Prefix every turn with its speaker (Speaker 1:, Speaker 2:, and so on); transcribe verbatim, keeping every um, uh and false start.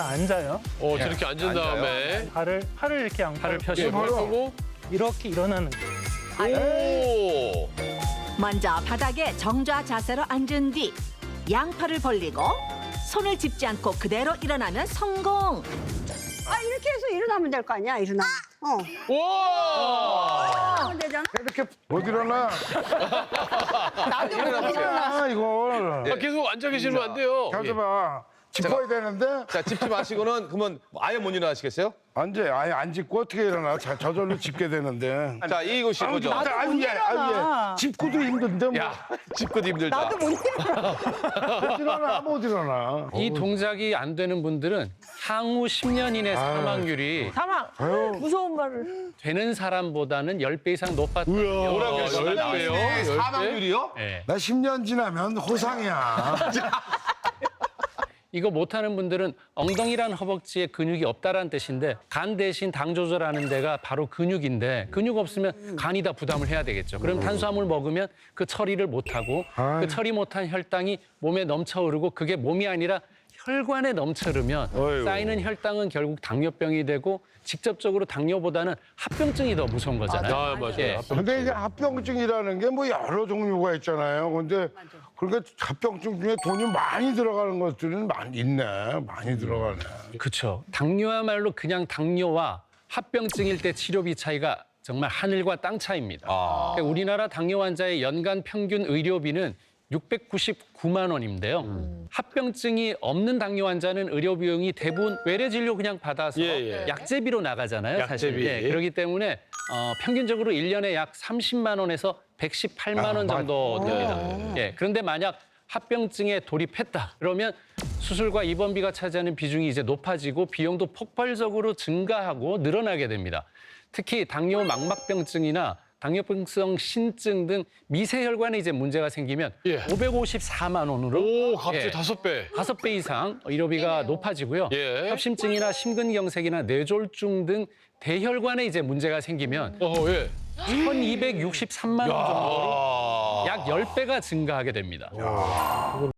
Speaker 1: 앉아요.
Speaker 2: 어, 저렇게 앉은 다음에
Speaker 1: 발을 팔을 이렇게 양팔
Speaker 3: 팔을
Speaker 2: 예,
Speaker 3: 펴시고
Speaker 2: 펴고
Speaker 1: 이렇게 일어나는 거예요.
Speaker 2: 오.
Speaker 4: 먼저 바닥에 정좌 자세로 앉은 뒤 양팔을 벌리고 손을 짚지 않고 그대로 일어나면 성공.
Speaker 5: 아 이렇게 해서 일어나면 될 거 아니야 일어나면. 어.
Speaker 2: 와.
Speaker 5: 하면 되잖아.
Speaker 6: 이렇게 못 일어나.
Speaker 5: 나도 못 일어나.
Speaker 6: 아, 이걸.
Speaker 2: 아, 계속 앉아 계시면 안 돼요.
Speaker 6: 가서 봐. 짚어야 되는데
Speaker 7: 자, 짚지 마시고는 그러면 아예 못 일어나시겠어요?
Speaker 6: 앉아. 아예 안 짚고 어떻게 일어나? 자, 저절로 짚게 되는데.
Speaker 7: 자, 이거 씨 보죠.
Speaker 6: 나도 아유, 예, 아유, 예. 짚고도 힘든데 뭐.
Speaker 2: 야,
Speaker 7: 짚고도 힘들다.
Speaker 5: 나도 못 일어나.
Speaker 6: 못 일어나, 못 일어나.
Speaker 3: 이 동작이 안 되는 분들은 향후 십 년 이내 사망률이
Speaker 5: 사망.
Speaker 6: 아유.
Speaker 5: 무서운 말을.
Speaker 3: 되는 사람보다는 십 배 이상 높았다는
Speaker 2: 뭐라고
Speaker 3: 결과가
Speaker 2: 열
Speaker 3: 나와요.
Speaker 2: 배요?
Speaker 7: 네, 사망률이요?
Speaker 3: 예.
Speaker 6: 나 십 년 지나면 호상이야.
Speaker 3: 이거 못하는 분들은 엉덩이란 허벅지에 근육이 없다라는 뜻인데 간 대신 당 조절하는 데가 바로 근육인데 근육 없으면 간이 다 부담을 해야 되겠죠. 그럼 탄수화물 먹으면 그 처리를 못하고 그 처리 못한 혈당이 몸에 넘쳐 흐르고 그게 몸이 아니라 혈관에 넘쳐 흐르면
Speaker 2: 어이구.
Speaker 3: 쌓이는 혈당은 결국 당뇨병이 되고 직접적으로 당뇨보다는 합병증이 더 무서운 거잖아요.
Speaker 2: 아, 맞아요.
Speaker 3: 예.
Speaker 6: 근데 이게 합병증이라는 게 뭐 여러 종류가 있잖아요. 근데 그러니까 합병증 중에 돈이 많이 들어가는 것들은 많이 있네. 많이 들어가네.
Speaker 3: 그렇죠. 당뇨야말로 그냥 당뇨와 합병증일 때 치료비 차이가 정말 하늘과 땅 차이입니다.
Speaker 7: 아.
Speaker 3: 그러니까 우리나라 당뇨 환자의 연간 평균 의료비는 육백구십구만 원인데요.
Speaker 2: 음.
Speaker 3: 합병증이 없는 당뇨 환자는 의료 비용이 대부분 외래 진료 그냥 받아서
Speaker 2: 예, 예.
Speaker 3: 약제비로 나가잖아요. 사실.
Speaker 2: 약제비.
Speaker 3: 예, 그렇기 때문에 어, 평균적으로 일 년에 약 삼십만 원에서 백십팔만 원
Speaker 6: 아,
Speaker 3: 정도 됩니다. 예, 그런데 만약 합병증에 돌입했다 그러면 수술과 입원비가 차지하는 비중이 이제 높아지고 비용도 폭발적으로 증가하고 늘어나게 됩니다. 특히 당뇨 망막병증이나 당뇨병성 신증 등 미세혈관에 이제 문제가 생기면
Speaker 2: 예.
Speaker 3: 오백오십사만 원으로
Speaker 2: 오, 갑자기
Speaker 3: 예.
Speaker 2: 다섯 배.
Speaker 3: 다섯 배 이상 의료비가 높아지고요.
Speaker 2: 예.
Speaker 3: 협심증이나 심근경색이나 뇌졸중 등 대혈관에 이제 문제가 생기면
Speaker 2: 어, 예.
Speaker 3: 천이백육십삼만 원 정도로
Speaker 2: 아.
Speaker 3: 약 십 배가 증가하게 됩니다.